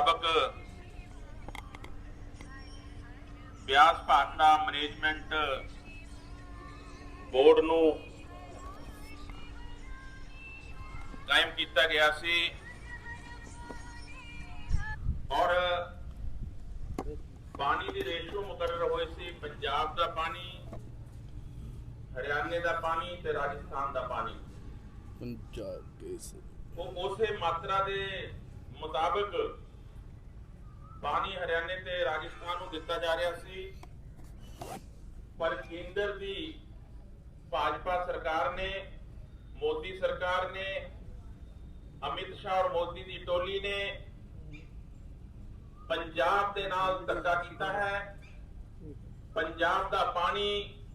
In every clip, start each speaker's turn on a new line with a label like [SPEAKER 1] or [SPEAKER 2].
[SPEAKER 1] मुताबिक Beas Bhakra management board नूं कायम किया गया सी और पानी की रेशो मुकर्रर हुई सी। पंजाब का पानी, हरियाणे का पानी ते राजस्थान का पानी वो उसे मात्रा के मुताबिक पानी हरियाणे ते राजस्थान को दिता जा रहा सी। पर केंद्र की भाजपा सरकार ने, मोदी सरकार ने, अमित शाह और मोदी की टोली ने पंजाब के नाल धक्का किया है। पंजाब का पानी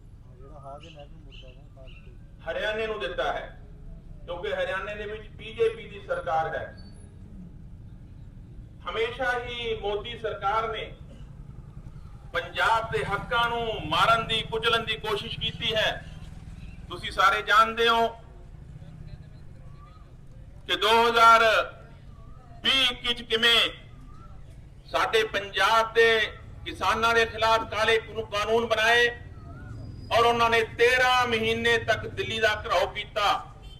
[SPEAKER 1] हरियाणे को दिता है क्योंकि हरियाणे दे विच बीजेपी की सरकार है। हमेशा ही मोदी सरकार ने पंजाब के हक्कां नूं मारन दी, कुचलन की कोशिश की है। तुसीं सारे जानते हो कि 2020 किवें साडे पंजाब के किसानां दे खिलाफ काले कानून बनाए और उन्होंने 13 महीने तक दिल्ली का घराव किया।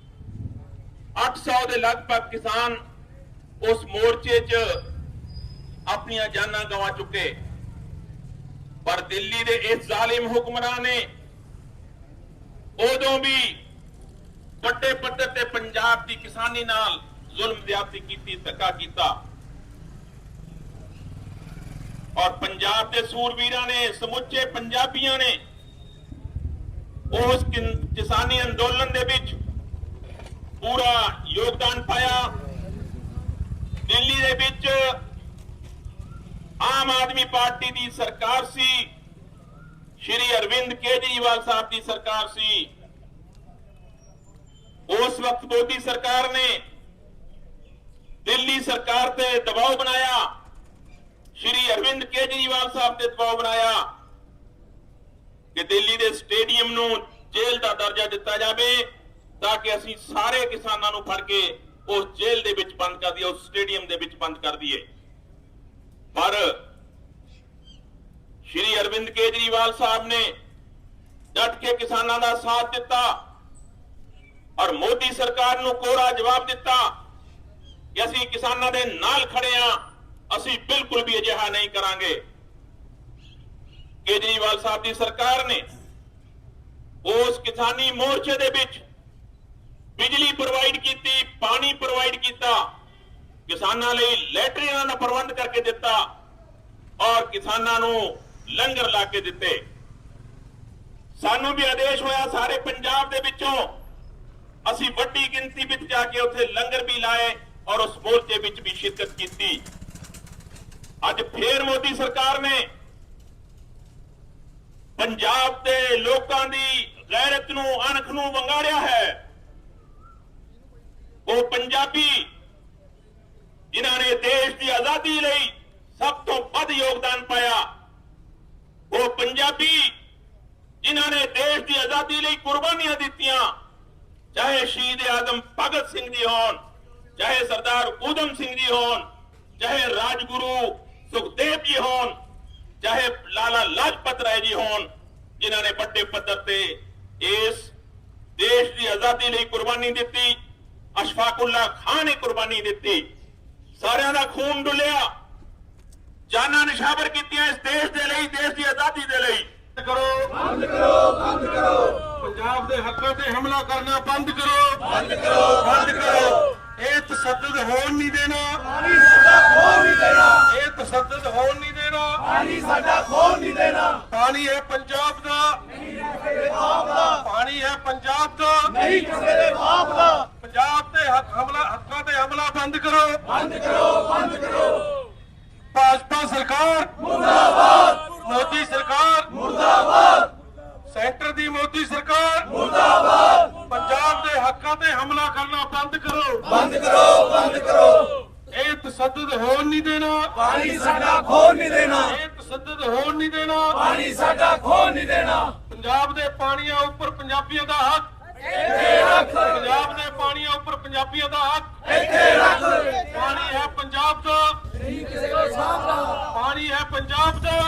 [SPEAKER 1] 800 के लगभग किसान उस मोर्चे च अपनी जानां गंवा चुके। पर दिल्ली के इस जालिम हुक्मरान ने उदों भी बड़े पद्धर ते पंजाब की किसानी नाल जुल्म ज्यादती की, धक्का किया और पंजाब के सूरवीरां ने, समुचे पंजाबियों ने उस किसानी अंदोलन दे विच पूरा योगदान पाया। दिल्ली दे विच आम आदमी पार्टी की सरकार सी, श्री अरविंद केजरीवाल साहब की सरकार सी। उस वक्त मोदी सरकार ने दिल्ली सरकार पे दबाव बनाया, श्री अरविंद केजरीवाल साहब ने दबाव बनाया कि दिल्ली के स्टेडियम नूं जेल का दर्जा दिता जाए ताकि असीं सारे किसानां नूं फड़ के उस जेल दे विच बंद कर दिए, उस स्टेडियम दे विच बंद कर दिए। पर श्री अरविंद केजरीवाल साहब ने डट के किसानां दा साथ दिता और मोदी सरकार नूं कोरा जवाब दिता कि असीं किसानां दे नाल खड़े हां, असीं बिल्कुल भी अजिहा नहीं करांगे। केजरीवाल साहब की सरकार ने उस किसानी मोर्चे दे विच बिजली प्रोवाइड की, पानी प्रोवाइड किया, किसानां लई लैटरिनां दा प्रबंध करके दिता और किसानां नूं लंगर ला के दिते। सानू भी आदेश होया सारे पंजाब दे विचों असीं वड्डी गिनती विच जाके उत्थे लंगर भी लाए और उस मोर्चे विच भी शिरकत की। अज फिर मोदी सरकार ने पंजाब के लोगों की गैरत नूं, अणख नूं वंगाड़िया है। वो पंजाबी जिन्होंने देश की आजादी लई सब तो वध योगदान पाया, वो पंजाबी जिन्होंने देश की आजादी लई कुर्बानियां दित्तियां, चाहे शहीद आजम भगत सिंह जी होन, चाहे सरदार ऊधम सिंह जी होन, चाहे राजगुरु सुखदेव जी होन, चाहे लाला लाजपत राय जी होन, जिन्होंने बड़े पद्धर से इस देश की आजादी लई कुर्बानी दी। अशफाकुल्ला खान ने कुर्बानी दी, सारियां दा खून डुलिया, जाना निशावर कीतियां इस देश दे लई, देश की आजादी दे लई। करो, बंद करो, बंद करो। पंजाब दे हक्कां ते हमला करना बंद करो, बंद करो, बंद करो। ये तशद्दुद होण नहीं देना, पानी साडा खोण नहीं देना। ये तशद्दुद होण नहीं देना, पानी साडा खोण नहीं देना। पानी है पंजाब दा, नहीं किसी दे बाप दा। पानी है पंजाब दा, नहीं किसी दे बाप दा। पंजाब ते हक्कां ते हमला बंद करो, बंद करो, बंद करो। भाजपा सरकार मुर्दाबाद, मोदी सरकार मुर्दाबाद, सेंटर दी मोदी सरकार मुर्दाबाद। पंजाब दे हक्कां ते हमला करना बंद करो, बंद करो, बंद करो। ये तशद्दुद होण नहीं देना, पानी साडा खोण नहीं देना। ये तशद्दुद होण नहीं देना, पानी साडा खोण नहीं देना। पंजाब दे पानियां उपर पंजाबियों दा हक ਪੰਜਾਬ ਦੇ ਪਾਣੀਆਂ ਉੱਪਰ ਪੰਜਾਬੀਆਂ ਦਾ ਹੱਕ ਪਾਣੀ ਹੈ ਪੰਜਾਬ ਦਾ, ਪਾਣੀ ਹੈ ਪੰਜਾਬ ਦਾ,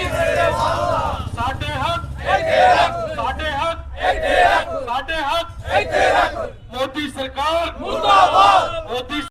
[SPEAKER 1] ਸਾਡੇ ਹੱਕ, ਸਾਡੇ ਹੱਕ, ਸਾਡੇ ਹੱਕ। ਮੋਦੀ ਸਰਕਾਰ ਮੁਰਦਾਬਾਦ। ਮੋਦੀ